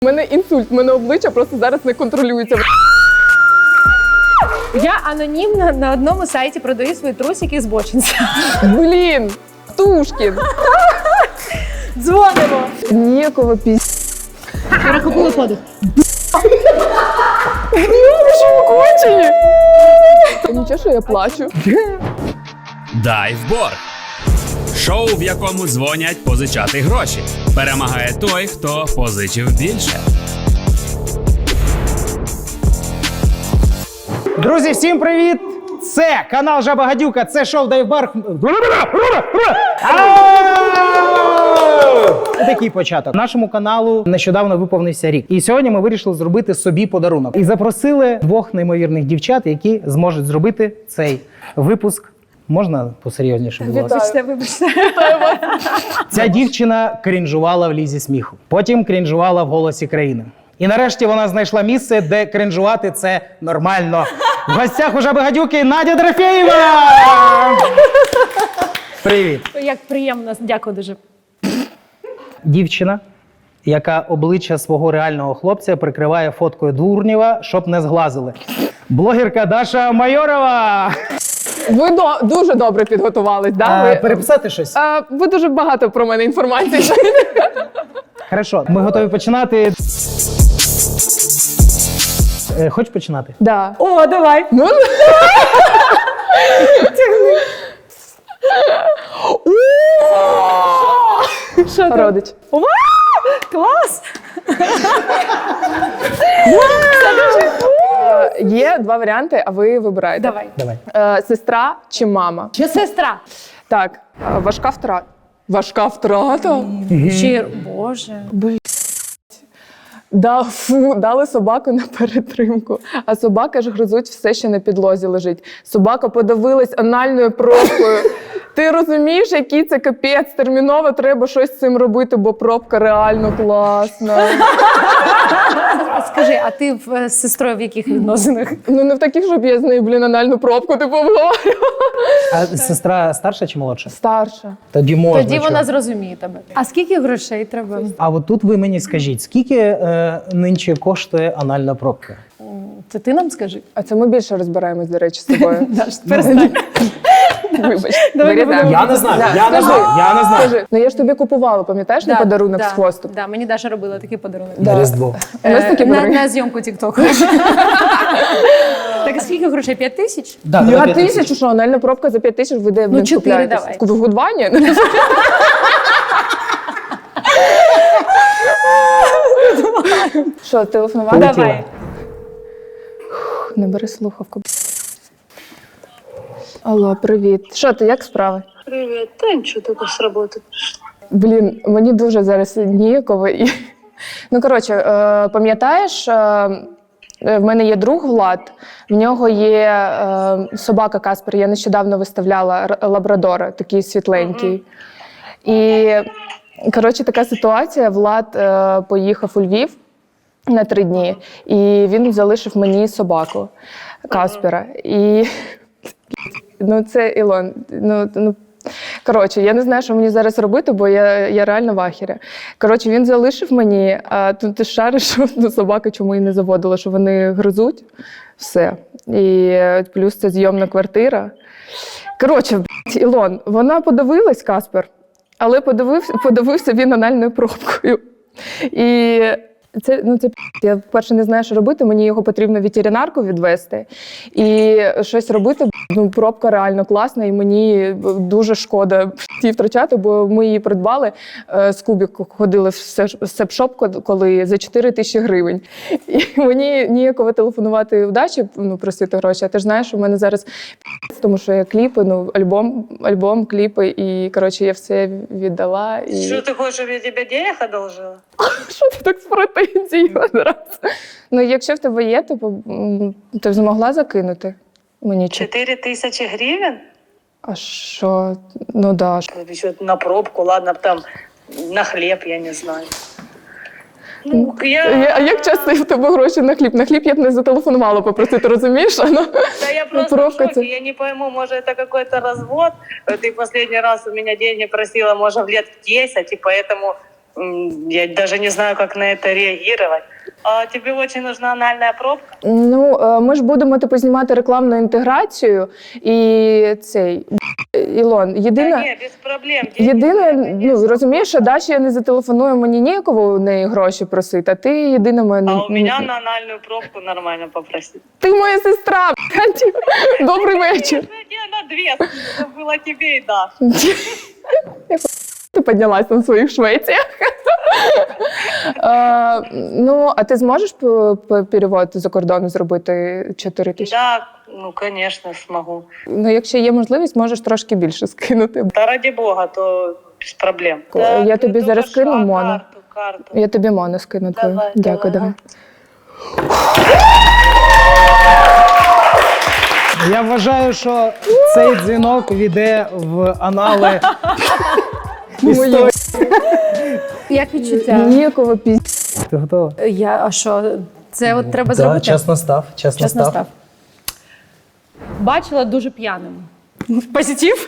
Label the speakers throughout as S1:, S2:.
S1: У мене інсульт, у мене обличчя просто зараз не контролюється.
S2: Я анонімно на одному сайті продаю свої трусики з бочинця.
S1: Блін, Птушкін.
S2: Дзвонимо.
S1: Ніякого
S2: Перехопили подих.
S1: Ви що, кончені? Нічого, що я плачу.
S3: Дайвборг. Шоу, в якому дзвонять позичати гроші. Перемагає той, хто позичив більше.
S4: Друзі, всім привіт! Це канал Жаба Гадюка, це шоу Дайвборг. Такий початок. Нашому каналу нещодавно виповнився рік. І сьогодні ми вирішили зробити собі подарунок. І запросили двох неймовірних дівчат, які зможуть зробити цей випуск. Можна посерйозніше було?
S2: Вибачте.
S4: Ця дівчина крінжувала в лізі сміху. Потім крінжувала в «Голосі країни». І нарешті вона знайшла місце, де крінжувати це нормально. В гостях у Жаби Гадюки Надя Дорофєєва! Привіт.
S2: Як приємно, дякую дуже.
S4: Дівчина, яка обличчя свого реального хлопця прикриває фоткою Дурнєва, щоб не зглазили. Блогерка Даша Майорова!
S1: Ви дуже добре підготувались, да?
S4: Переписати щось?
S1: Ви дуже багато про мене інформації.
S4: Хорошо, ми готові починати. Хочеш починати?
S1: Да.
S2: О, давай.
S1: Ну,
S2: Що там?
S1: родич.
S2: Вау! Клас!
S1: Є два варіанти, а ви вибираєте.
S2: Давай.
S4: Давай.
S1: Сестра чи мама?
S2: Чи сестра?
S1: Так, важка втрата. Важка втрата?
S2: Чи, Боже.
S1: Да, дали собаку на перетримку, а собака ж гризуть все, що на підлозі лежить. Собака подавилась анальною пробкою. Ти розумієш, який це капець? Терміново треба щось з цим робити, бо пробка реально класна.
S2: Скажи, а ти з сестрою в яких відносинах?
S1: Ну не в таких, щоб я з нею, анальну пробку типу обговорювала.
S4: А сестра старша чи молодша?
S1: Старша.
S4: Тоді можна.
S2: Тоді
S4: чого?
S2: вона зрозуміє тебе. А скільки грошей треба?
S4: А от тут ви мені скажіть, скільки нинче коштує анальна пробка?
S2: Це ти нам скажи.
S1: А це ми більше розбираємось, до речі, з тобою.
S2: Даш, перестань.
S1: Вибач.
S2: Давай не
S1: вирізаємо.
S2: будемо.
S4: Я не знаю,
S1: Да,
S4: я не
S1: скажи,
S4: знаю, я не знаю.
S1: Скажи, ну я ж тобі купувала, пам'ятаєш, на подарунок з хвостом?
S2: Да, мені Даша робила такий подарунок.
S4: На Різдво.
S1: У нас такі подарунки.
S2: На зйомку тіктоку. Так, а скільки грошей? 5 тисяч?
S4: Да,
S1: 5 тисяч, що анальна пробка за 5 тисяч ви де
S2: Ну, 4
S1: купляєтесь?
S2: давай.
S1: В Гудвані? Що, телефонувати?
S4: Полетіла.
S2: Давай.
S1: Не бери слухавку. Алло, привіт. Що ти, як справи?
S5: Привет. Да ничего, только с работы пришла.
S1: Блін, мені дуже зараз ніяково. Ну, коротше, пам'ятаєш, в мене є друг Влад, в нього є собака Каспер, я нещодавно виставляла лабрадора, такий світленький. І, коротше, така ситуація, Влад поїхав у Львів на 3 дні, і він залишив мені собаку Каспера. І, ну, це Ілон, коротше, я не знаю, що мені зараз робити, бо я реально в ахері. Коротше, він залишив мені, а тут ти шариш, що собака чому і не заводила, що вони гризуть. Все. І плюс це зйомна квартира. Коротше, Ілон, вона подивилась, Каспер, але подивився він анальною пробкою. І це я, по-перше, не знаю, що робити, мені його потрібно в ветеринарку відвести. І щось робити, пробка реально класна, і мені дуже шкода її втрачати, бо ми її придбали, з Кубік ходили в сеп-шоп, коли за 4 тисячі гривень. І мені ніяково телефонувати в Дачі, просити гроші, а ти ж знаєш, що в мене зараз, тому що я кліпи, альбом, кліпи, і, коротше, я все віддала. І...
S5: Что ты хочешь, чтобы я тебе денег одолжила?
S1: Що ти так з претензією одразу? Ну, якщо в тебе є, то ти б змогла закинути мені?
S5: 4000 гривен?
S1: А що? Ну, да.
S5: Еще на пробку, ладно, там на хлеб, я не знаю. Ну,
S1: А як часто в тебе гроші на хліб? На хліб я б не зателефонувала попросити, розумієш?
S5: Да я просто в
S1: пробка
S5: шоке, я не пойму, может это какой-то развод. Ты последний раз у меня деньги просила, может, в лет 10, и поэтому Я даже не знаю, как на это реагировать. А тебе очень нужна анальная пробка?
S1: Ну, ми ж будемо типу знімати рекламну інтеграцію і цей Ілон.
S5: Да
S1: Єдине,
S5: не, без проблем.
S1: єдине, ну розумієш, що Даші я не зателефоную, мені ніяково у неї гроші просити, а ти єдина мене.
S5: А у меня на анальную пробку нормально попросить.
S1: Ти моя сестра. Добрий вечір.
S5: Я на две, это было тебе и Даше.
S1: Ти піднялась на своїх швеціях. Ну, а ти зможеш перевод за кордону зробити 4 тисячі?
S5: Да, ну, конечно, смогу.
S1: Ну, якщо є можливість, можеш трошки більше скинути.
S5: Да ради бога, то без проблем.
S1: Я тобі
S5: ты
S1: зараз
S5: только
S1: скину
S5: что,
S1: моно.
S5: Карту.
S1: Я тобі моно скину твою.
S5: Давай,
S1: Дякую,
S5: давай.
S1: давай.
S4: Я вважаю, що цей дзвінок війде в анали історії.
S2: Як відчуття?
S1: Ніякого
S4: Ти готова?
S2: А що? Це от треба
S4: Да,
S2: зробити?
S4: час настав.
S2: Чесно став. Бачила дуже п'яним. Позитив?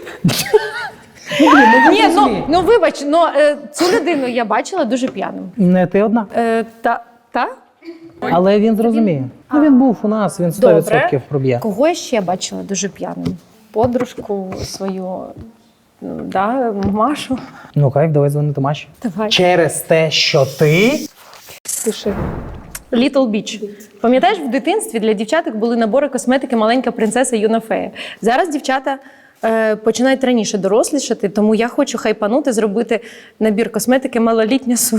S2: Ні, ну вибач, цю людину я бачила дуже п'яним.
S4: Не ти одна.
S2: Та?
S4: Але він зрозуміє. Ну, він був у нас, він 100% проб'є.
S2: Кого я ще бачила дуже п'яним? Подружку свою, да, Машу.
S4: Ну, кайф, давай дзвонити Маші.
S2: Давай.
S4: Через те, що ти...
S1: пиши.
S2: Little Beach. Пам'ятаєш, в дитинстві для дівчаток були набори косметики «Маленька принцеса» і «Юна фея». Зараз дівчата починають раніше дорослішати, тому я хочу хайпанути, зробити набір косметики «Малолітня су».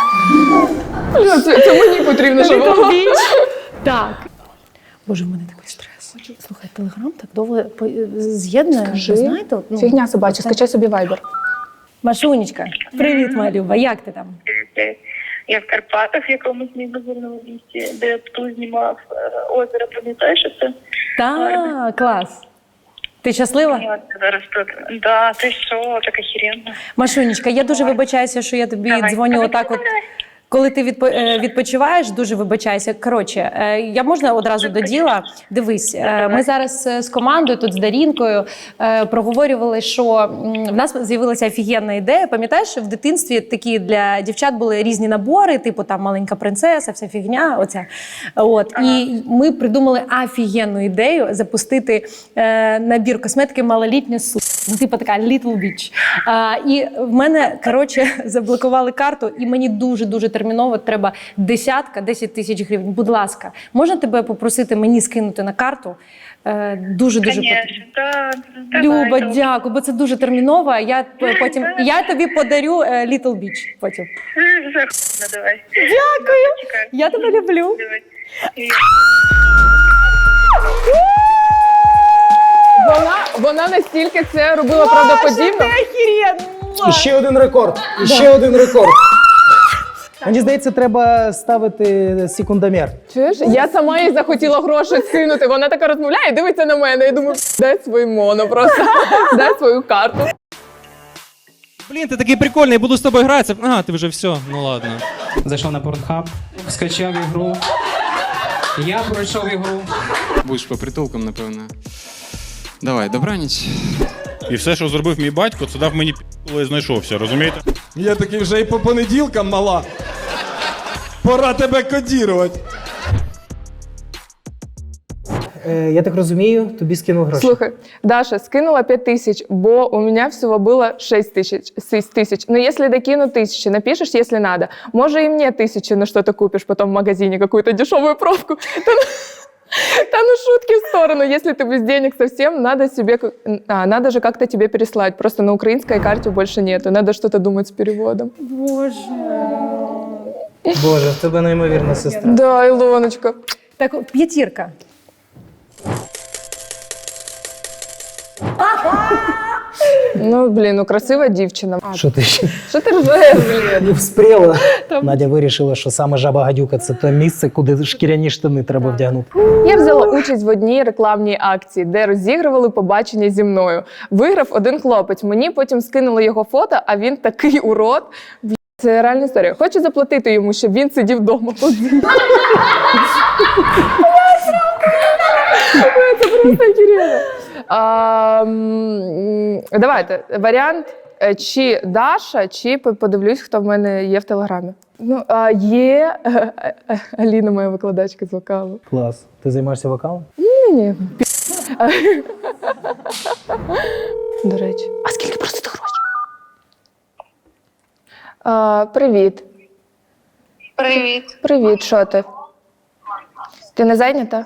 S1: Це мені потрібно, щоб
S2: Little
S1: було.
S2: Beach. Так. Боже, в мене такий стрес. Слухай, Телеграм так довго з'єднує.
S1: Скажи.
S2: Ви знаєте? от,
S1: Фігня собача, скачай собі вайбер.
S2: Машунечка, привіт, моя Люба, як ти там?
S6: Я в Карпатах, в якомусь неймовірному місці, де Пту знімав озеро, пам'ятаєш це?
S2: Так, клас. Ти щаслива?
S6: Я зараз тут. Да, ти що, так охеренно.
S2: Машунечка, я дуже вибачаюся, що я тобі
S6: Давай,
S2: дзвоню
S6: давай,
S2: отак от.
S6: давай.
S2: Коли ти відпочиваєш, дуже вибачайся. Коротше, я можна одразу до діла? Дивись, ми зараз з командою, тут з Дарінкою, проговорювали, що в нас з'явилася офігенна ідея. Пам'ятаєш, що в дитинстві такі для дівчат були різні набори, типу там «Маленька принцеса», вся фігня, оця. От. І ми придумали офігенну ідею запустити набір косметики «Малолітня су». Ну, типу така Little Beach. І в мене, коротше, заблокували карту, і мені дуже терміново треба 10 тисяч гривень. Будь ласка, можна тебе попросити мені скинути на карту? Дуже
S6: Конечно,
S2: потрібно.
S6: да.
S2: Люба, дякую, бо це дуже терміново. Я тобі подарю Little Beach потім.
S6: Давай.
S2: Дякую. Я тебе люблю.
S6: Давай.
S1: Вона настільки це робила правдоподібно.
S4: І ще один рекорд. І ще один рекорд. Мені здається, треба ставити секундомір.
S1: Чуєш? Я сама їй захотіла гроші скинути. Вона така розмовляє, дивиться на мене. Я думаю, дай свій моно просто. Дай свою карту.
S7: Блін, ти такий прикольний, буду з тобою гратися. А, ти вже все, ну ладно. Зайшов на Pornhub, скачав ігру. Я пройшов ігру.
S8: Будеш по притулкам, напевно. Давай, добраніч.
S9: І все, що зробив мій батько, це дав мені коли знайшовся, розумієте?
S10: Я такий вже і по понеділкам мала. Пора тебе кодірувати.
S4: Я так розумію, тобі скинув гроші.
S1: Слухай, Даша, скинула 5 тысяч, бо у меня всего было 6 тысяч. Но если докину 1000, напишешь, если надо. Може и мне 1000 на что-то купишь потом в магазине, какую-то дешевую пробку. Да ну шутки в сторону. Если ты без денег совсем, надо же как-то тебе переслать. Просто на украинской карте больше нету. Надо что-то думать с переводом.
S4: Боже, в тебе неймовірна сестра.
S1: Да, Илоночка.
S2: Так, 5.
S1: Ну, блін, ну красива дівчина.
S4: Що ти ще?
S1: Що ти ржаєш, блін?
S4: Не вспріла. Надя вирішила, що саме жаба-гадюка – це те місце, куди шкіряні штани треба вдягнути.
S1: Я взяла участь в одній рекламній акції, де розігрували побачення зі мною. Виграв один хлопець. Мені потім скинули його фото, а він такий урод. Це реальна історія. Хочу заплатити йому, щоб він сидів вдома. Це просто охеренно. Давайте, варіант чи Даша, чи подивлюсь, хто в мене є в Телеграмі. Ну, є Аліна, моя викладачка з вокалу.
S4: Клас. Ти займаєшся вокалом?
S1: Ні. До речі. А скільки просити гроші? Привіт.
S6: Привіт.
S1: Привіт, що ти? Ти не зайнята?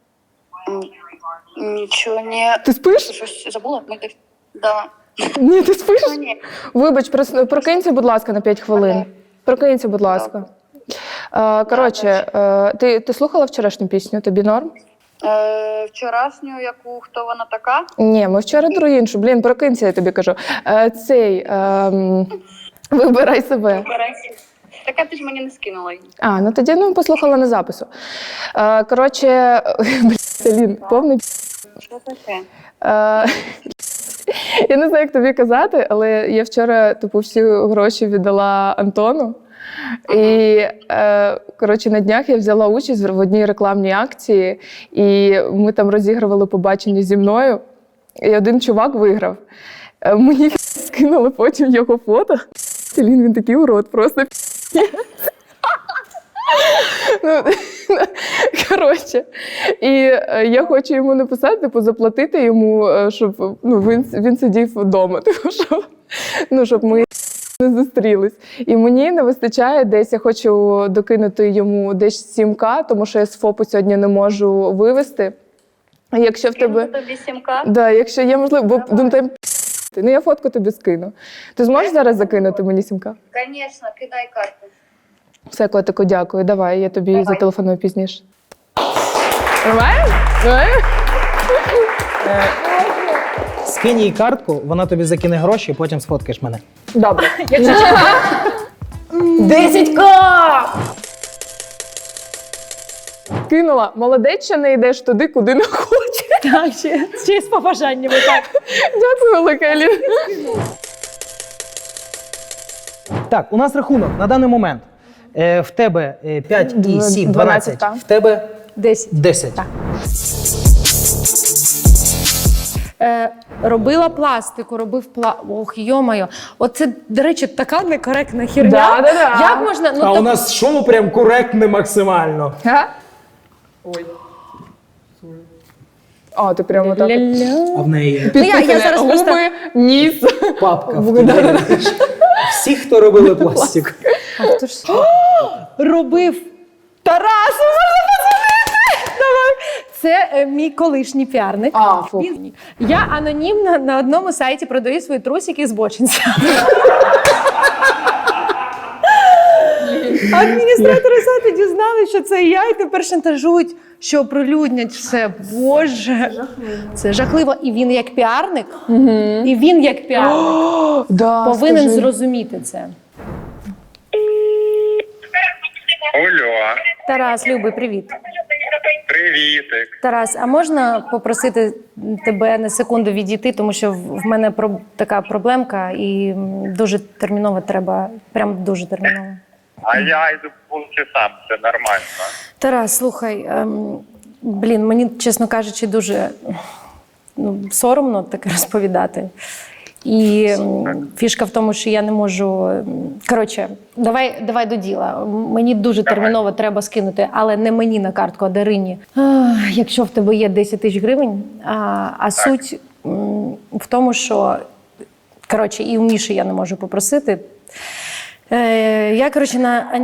S6: Нічого, ні.
S1: Ти спиш?
S6: Щось забула? Да.
S1: Ні, ти спиш?
S6: Ні.
S1: Вибач, прокинься, будь ласка, на 5 хвилин. Прокинься, будь ласка. Коротше, ти слухала вчорашню пісню? Тобі норм?
S6: Вчорашню, яку, хто вона така?
S1: Ні, ми вчора про іншу. Блін, прокинься, я тобі кажу. Вибирай себе.
S6: Така ти ж мені не скинула її.
S1: Ну тоді послухала на запису. Коротше, Лін, повний
S6: Що таке?
S1: я не знаю, як тобі казати, але я вчора всі гроші віддала Антону. І, коротше, на днях я взяла участь в одній рекламній акції, і ми там розігрували побачення зі мною, і один чувак виграв. Мені скинули потім його фото. Він такий урод, просто коротше, і я хочу йому написати, заплатити йому, щоб він сидів вдома, щоб ми не зустрілись. І мені не вистачає десь, я хочу докинути йому десь 7К, тому що я з ФОПу сьогодні не можу вивезти. Якщо в тебе...
S6: Тобі 7К?
S1: Да, якщо є можливо, бо там я фотку тобі скину. Ти зможеш зараз закинути мені 7К?
S6: Звісно, кидай карту.
S1: Все, котику, дякую. Давай, я тобі зателефоную пізніше. Нормально?
S4: Скинь їй картку, вона тобі закине гроші, потім сфоткаєш мене.
S1: Добре. 10К! Кинула. Молодець, що не йдеш туди, куди не хочеш.
S2: Так, ще з побажаннями, так.
S1: Дякую, велика Аліна.
S4: Так, у нас рахунок на даний момент. В тебе 5 і 7, 12.
S1: 12,
S4: В тебе
S2: 10.
S4: 10.
S2: Так. Робила пластику, Ох, йо-моє. Оце, до речі, така некоректна херня.
S1: Да.
S2: Як можна...
S4: А у нас шоу прям коректне максимально.
S1: Ой. Ти прямо так.
S4: А в неї
S2: я зараз
S1: Губи,
S2: просто...
S1: ніс.
S4: папка. Всі, хто робили пластик.
S2: Хто ж робив? Тарас, можна подзвонити? Давай. Це мій колишній піарник.
S1: Фу.
S2: Я анонімно на одному сайті продаю свої трусики з бочинця. Адміністратори сайту дізналися, що це я, і тепер шантажують, що оприлюднять все. Боже. Це жахливо. І він як піарник, повинен зрозуміти це.
S11: Алло.
S2: Тарас, любий, привіт.
S11: Привітик.
S2: Тарас, а можна попросити тебе на секунду відійти, тому що в мене така проблемка і дуже терміново треба, прям дуже терміново.
S11: А я йду по вулиці сам, це нормально.
S2: Тарас, слухай, мені, чесно кажучи, дуже соромно таке розповідати. І фішка в тому, що я не можу... Коротше, давай до діла. Мені дуже терміново треба скинути, але не мені на картку, а Дарині. Якщо в тебе є 10 тисяч гривень, а суть в тому, що... Коротше, і у Міші я не можу попросити. Я, коротше, на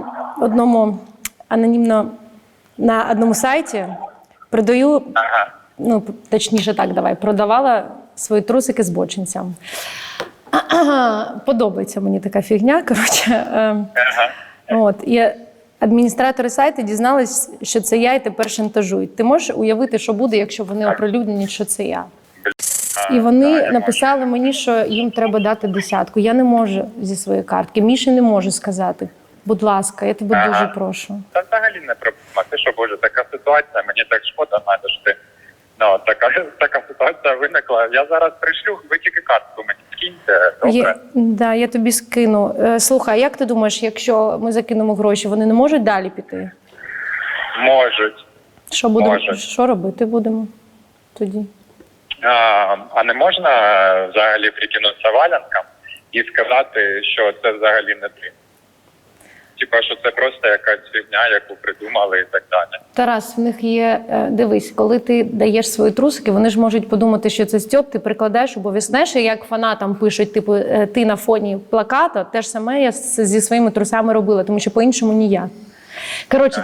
S2: одному сайті продаю... точніше так, продавала свої трусики з бочинцям. Подобається мені така фігня, коротше. І адміністратори сайту дізнались, що це я, і тепер шантажують. Ти можеш уявити, що буде, якщо вони оприлюднять, що це я? І вони написали мені, що їм треба дати 10. Я не можу зі своєї картки. Міші не можу сказати. Будь ласка, я тебе дуже прошу.
S11: Та взагалі не проблема. Ти що, Боже, така ситуація, мені так шкода, що ти... така ситуація виникла. Я зараз пришлю, ви тільки картку мені скиньте, добре?
S2: Я тобі скину. Слухай, як ти думаєш, якщо ми закинемо гроші, вони не можуть далі піти?
S11: Можуть.
S2: Що робити будемо тоді?
S11: А не можна взагалі прикинутися валянкам і сказати, що це взагалі не ти. Типа, що це просто якась фігня, яку придумали і так далі.
S2: Тарас, в них є, дивись, коли ти даєш свої трусики, вони ж можуть подумати, що це Стьоп, ти прикладаєш обов'язково. Знаєш, як фанатам пишуть, типу, ти на фоні плаката, те ж саме я зі своїми трусами робила, тому що по-іншому ніяк. Коротше,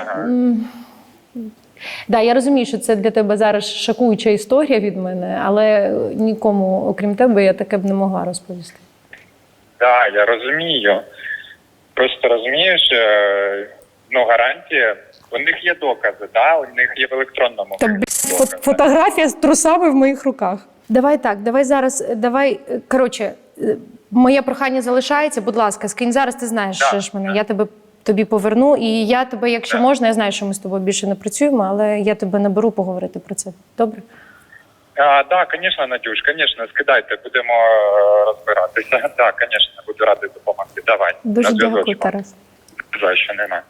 S2: да, я розумію, що це для тебе зараз шокуюча історія від мене, але нікому, окрім тебе, я таке б не могла розповісти.
S11: Так, я розумію. Просто розумієш, ну гарантія, у них є докази, да? У них є в електронному.
S2: Фотографія з трусами в моїх руках. Давай так, коротше, моє прохання залишається, будь ласка, скинь зараз, ти знаєш, що ж мене, я тобі поверну, і я тебе, якщо можна, я знаю, що ми з тобою більше не працюємо, але я тебе наберу поговорити про це. Добре?
S11: Так, звісно, Надюш, звісно, скидайте, будемо розбиратися. Так, звісно, буду радий допомогти. Давай.
S2: Дуже дякую, Тарас.
S11: За що нема.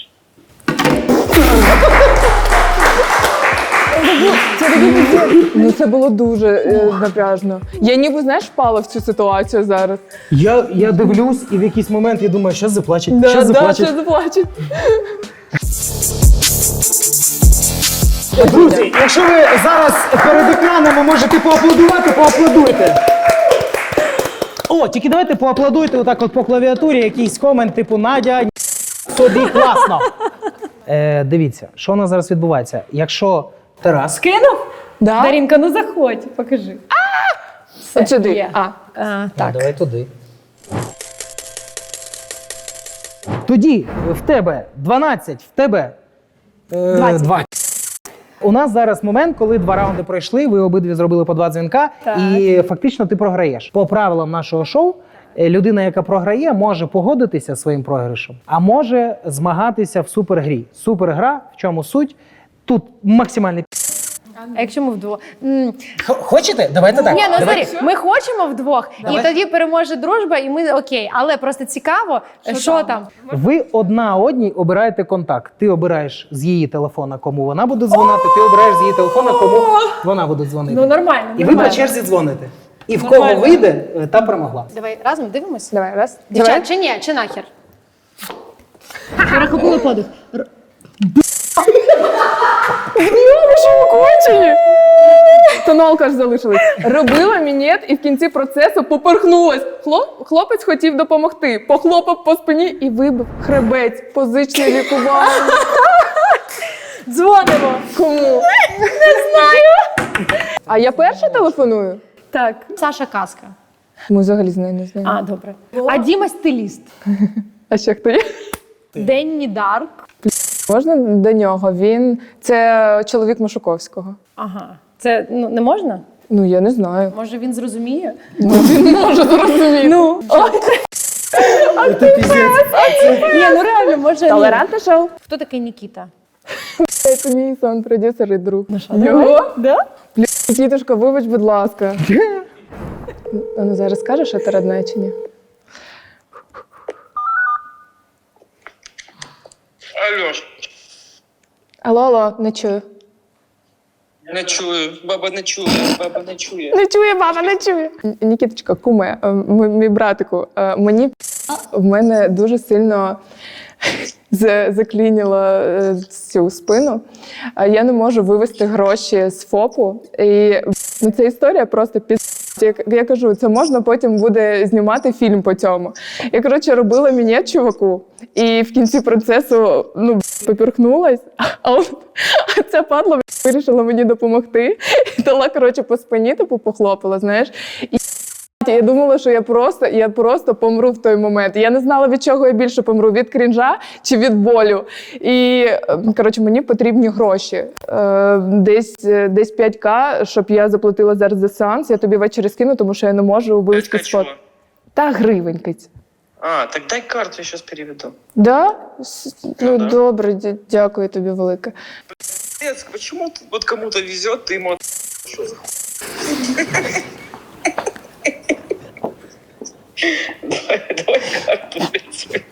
S1: Ну це було дуже напряжно. Я ніби, знаєш, впала в цю ситуацію зараз.
S4: Я дивлюсь, і в якийсь момент я думаю, що заплачуть, що
S1: Що
S4: заплачуть.
S1: заплачуть.
S4: Друзі, якщо ви зараз перед екранами можете поаплодувати, поаплодуйте. О, тільки давайте поаплодуйте отак от по клавіатурі, якийсь комент, типу Надя, тобі класно. Дивіться, що у нас зараз відбувається. Якщо Тарас...
S2: Кинув?
S1: Да?
S2: Дарінка, ну заходь, покажи.
S1: От сюди.
S2: Є. Так.
S4: Давай туди. Тоді в тебе 12, в тебе 20. У нас зараз момент, коли 2 раунди пройшли, ви обидві зробили по 2 дзвінка, і фактично ти програєш. По правилам нашого шоу, людина, яка програє, може погодитися зі своїм програшем, а може змагатися в супергрі. Супергра, в чому суть? Тут максимальний
S2: А якщо ми вдвох?
S4: Хочете? Давайте так.
S2: Ні, ну
S4: Давайте.
S2: смотри, ми хочемо вдвох, і тоді переможе дружба, і ми окей. Але просто цікаво, що там.
S4: Ви одна одній обираєте контакт. Ти обираєш з її телефона, кому вона буде дзвонити, ти обираєш з її телефона, кому вона буде дзвонити.
S2: Ну нормально.
S4: І ви по черзі дзвоните. І в кого вийде, та перемогла.
S2: Давай разом дивимось?
S1: Давай, раз.
S2: Дівчат, чи ні? Чи нахер? Перехопили подих.
S1: Кончені. Тоналка ж залишилась. Робила мінет і в кінці процесу поперхнулась. Хлопець хотів допомогти. Похлопав по спині і вибив хребець. Позичне лікування.
S2: Дзвонимо.
S1: Кому? Не знаю. А я перша телефоную?
S2: Так. Саша Казка.
S1: Ми взагалі з нею не знаємо.
S2: А, добре. А Діма стиліст.
S1: А ще хто є?
S2: Денні Дарк.
S1: Можна до нього? Це чоловік Машуковського.
S2: Ага. Це не можна?
S1: Ну, я не знаю.
S2: Може він зрозуміє?
S1: Він може зрозуміти.
S2: Ну. Ні, ну реально, може.
S1: Толерантне шоу?
S2: Хто такий Нікіта?
S1: Це мій сон-продюсер і друг.
S2: Його? Да?
S1: Нікітушка, вибач, будь ласка. А ну зараз скажеш, що ти родна чи ні?
S12: Алло.
S1: Алло, не чую.
S12: Не чую, баба не чує, баба не чує.
S1: Не чує, баба, не чує. Нікіточка, куме, мій братику, мені в мене дуже сильно заклініло цю спину. Я не можу вивести гроші з ФОПу. І ця історія просто я кажу, це можна потім буде знімати фільм по цьому. Я, коротше, робила мінет чуваку, і в кінці процесу, поперхнулась, а ця падла вирішила мені допомогти. І дала, коротше, по спині, похлопала, знаєш. І я думала, що я просто помру в той момент. Я не знала, від чого я більше помру, від крінжа чи від болю. І, коротше, мені потрібні гроші. Десь 5К, щоб я заплатила зараз за сеанс. Я тобі ввечері скину, тому що я не можу вивести спот. Та гривенькиць.
S12: А, так дай карту, я сейчас переведу.
S1: Да? Ну,
S12: да.
S1: добре, дякую тобі велике.
S12: Пиздец, почему вот кому-то везет, ты ему что за Давай карту, блядь.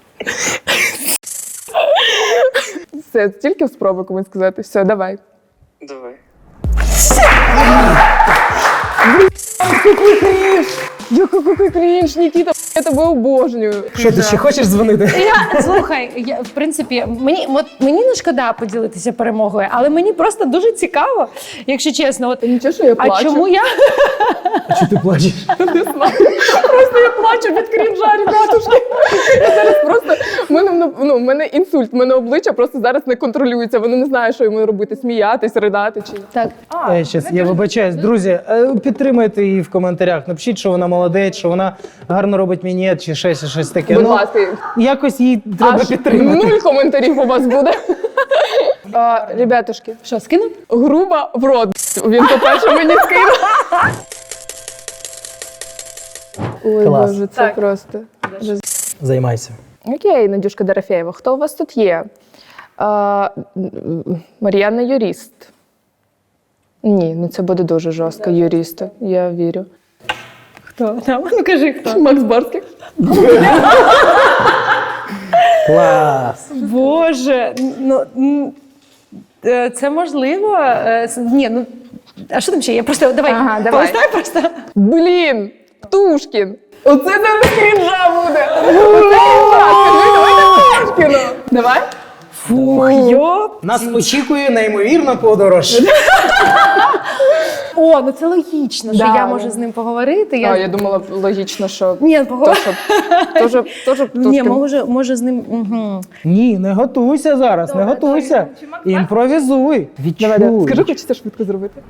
S1: Все, тільки спробуй комусь сказати. Все, давай.
S12: Давай.
S1: Який крінж, Нікіта, я тебе обожнюю.
S4: Що, ти ще хочеш дзвонити?
S2: Слухай, в принципі, мені не шкода поділитися перемогою, але мені просто дуже цікаво, якщо чесно. От,
S1: нічого, що я плачу.
S2: А чому я?
S4: А чого ти плачеш?
S1: Не знаю. Просто я плачу від крінжа, ребятушки. Я зараз просто, в мене інсульт, в мене обличчя просто зараз не контролюється. Воно не знає, що йому робити, сміятись, ридати чи...
S2: Так.
S4: Я вибачаюсь. Друзі, підтримайте її в коментарях. Напишіть, що вона молодець, що вона гарно робить мінет чи щось таке.
S1: Будь ласка.
S4: Якось її треба підтримати.
S1: 0 коментарів у вас буде. Ребятушки,
S2: що, скинуть?
S1: Грубо в рот. Він, по-перше, мені скинув. Ой,
S4: Клас.
S1: Боже, це просто...
S4: Займайся.
S1: Окей, Надюшка Дорофєєва, хто у вас тут є? Мар'яна юрист. Ні, ну це буде дуже жорстко, юрист, я вірю.
S2: Хто? Ну кажи, хто.
S1: Макс Барських.
S4: Клас.
S2: Боже, це можливо. Ні, ну, а що там ще є? Просто давай, полистай просто.
S1: Блін, Птушкін. Оце зараз крінжа буде. Оце крінжа. Скажи, давайте Птушкіну. Давай.
S2: Фух, йоп.
S4: Нас очікує неймовірна подорож.
S2: О, ну це логічно, що я можу з ним поговорити.
S1: Я думала, логічно, що...
S2: Ні,
S1: Теж
S2: Ні, може з ним... Угу.
S4: Ні, не готуйся зараз, не готуйся. Імпровізуй, відчуй.
S1: Скажи, хочете швидко зробити?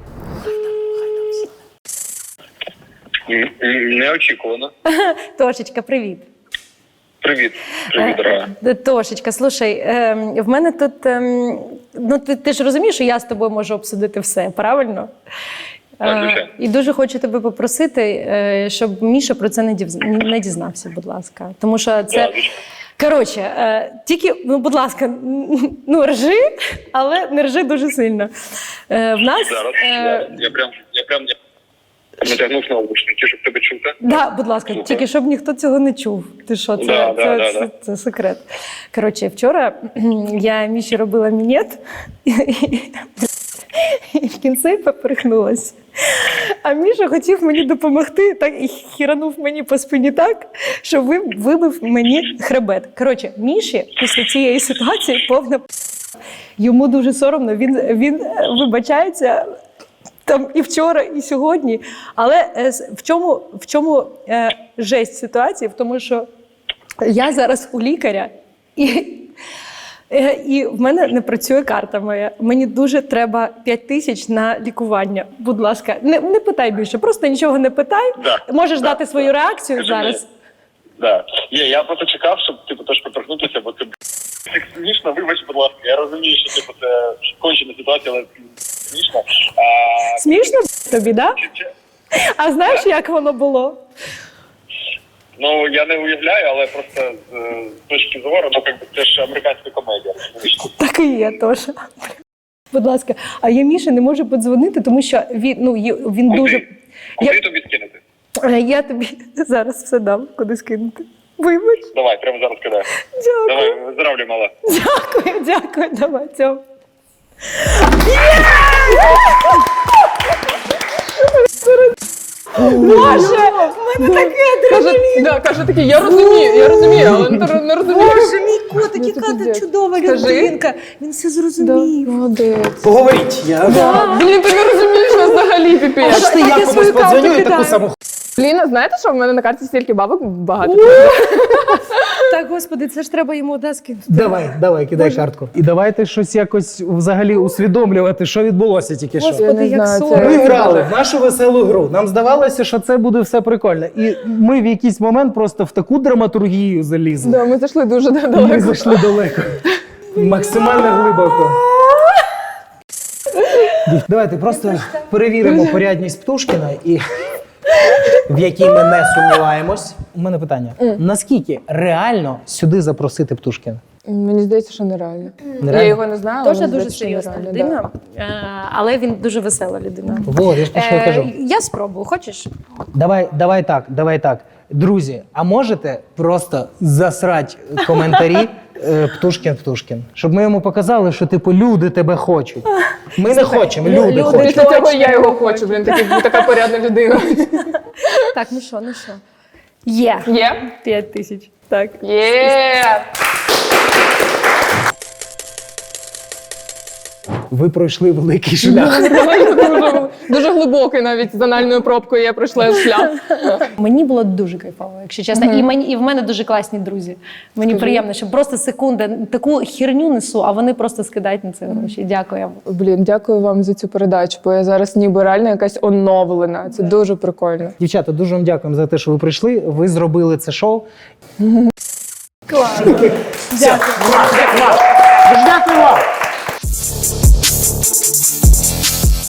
S11: Неочікувано.
S2: Тошечка, привіт.
S11: Привіт, дорога.
S2: Тошечка, слушай, в мене тут, ну ти ж розумієш, що я з тобою можу обсудити все, правильно? І дуже хочу тебе попросити, щоб Міша про це не дізнався, будь ласка. Тому що це, коротше, тільки, ну, будь ласка, ну, ржи, але не ржи дуже сильно. В нас...
S11: Зараз, я прям натягнув наушники, щоб тебе чути.
S2: Да, будь ласка, тільки щоб ніхто цього не чув. Ти що, це секрет. Коротше, вчора я Міші робила мінет, і в кінці поперхнулась. А Міша хотів мені допомогти, так і хіранув мені по спині так, що вибив мені хребет. Коротше, Міші після цієї ситуації повна йому дуже соромно, він вибачається там і вчора, і сьогодні. Але в чому жесть ситуації? В тому, що я зараз у лікаря, і в мене не працює карта моя. Мені дуже треба 5 тисяч на лікування. Будь ласка, не питай більше, просто нічого не питай. Можеш дати свою реакцію зараз.
S11: Так. Я просто чекав, щоб теж поторкнутися, бо це смішно, вибач, будь ласка. Я розумію, що це кончена ситуація, але смішно.
S2: Смішно тобі, так? А знаєш, як воно було?
S11: Ну, я не уявляю, але просто з точки зору, це ж американська комедія.
S2: Так і є теж. Будь ласка, а я Міші не можу подзвонити, тому що він дуже...
S11: Куди тобі скинути?
S2: Я тобі зараз все дам, куди скинути. Вибач.
S11: Давай, прямо зараз кидай.
S2: Дякую.
S11: Давай, виздоравлюй, мала.
S2: Дякую, давай, цьому. Боже, в мене таке адреналін.
S1: Каже такий, я розумію, але не розумію.
S2: Боже, мій котик, яка ти чудова людинка. Він все зрозумів.
S1: Молодець.
S4: Поговоріть.
S1: Блін, ти не розумієш нас взагалі, піпець.
S4: Аж ти я комусь подзвоню і таку саму.
S1: Блін, знаєте, що в мене на карті стільки бабок багато?
S2: Так, господи, це ж треба йому скинути.
S4: Давай, кидай картку. І давайте щось якось взагалі усвідомлювати, що відбулося тільки що.
S2: Господи, як
S4: Ми
S2: соромно.
S4: грали в нашу веселу гру. Нам здавалося, що це буде все прикольно. І ми в якийсь момент просто в таку драматургію залізли.
S1: Да, ми зайшли дуже далеко.
S4: Ми зайшли далеко. Максимально глибоко. Давайте просто перевіримо порядність Птушкіна, і в якій ми не сумніваємось. У мене питання. Наскільки реально сюди запросити Птушкіна?
S1: Мені здається, що нереально.
S4: Нереально?
S1: Я його не знаю, але
S2: Тоша
S1: мені
S2: дуже
S1: здається, що
S2: серйозна
S1: нереально,
S2: людина, але він дуже весела людина.
S4: Вот, я ж про що я кажу.
S2: Я спробую, хочеш?
S4: Давай так. Друзі, а можете просто засрати коментарі Птушкін. Щоб ми йому показали, що типу люди тебе хочуть. Ми не хочемо, люди хочуть.
S1: Після цього я його хочу, така порядна людина.
S2: Так, ну що? Є. 5 тисяч. Так.
S1: Є!
S4: Ви пройшли великий шлях.
S1: Дуже глибокий навіть з анальною пробкою я пройшла шлях.
S2: Мені було дуже кайфово, якщо чесно. І в мене дуже класні друзі. Мені приємно, що просто секунда, таку херню несу, а вони просто скидають на це гроші. Дякую.
S1: Блін, дякую вам за цю передачу, бо я зараз ніби реально якась оновлена. Це дуже прикольно.
S4: Дівчата, дуже вам дякуємо за те, що ви прийшли. Ви зробили це шоу.
S2: Клас.
S4: Дякую. Дуже дякую вам.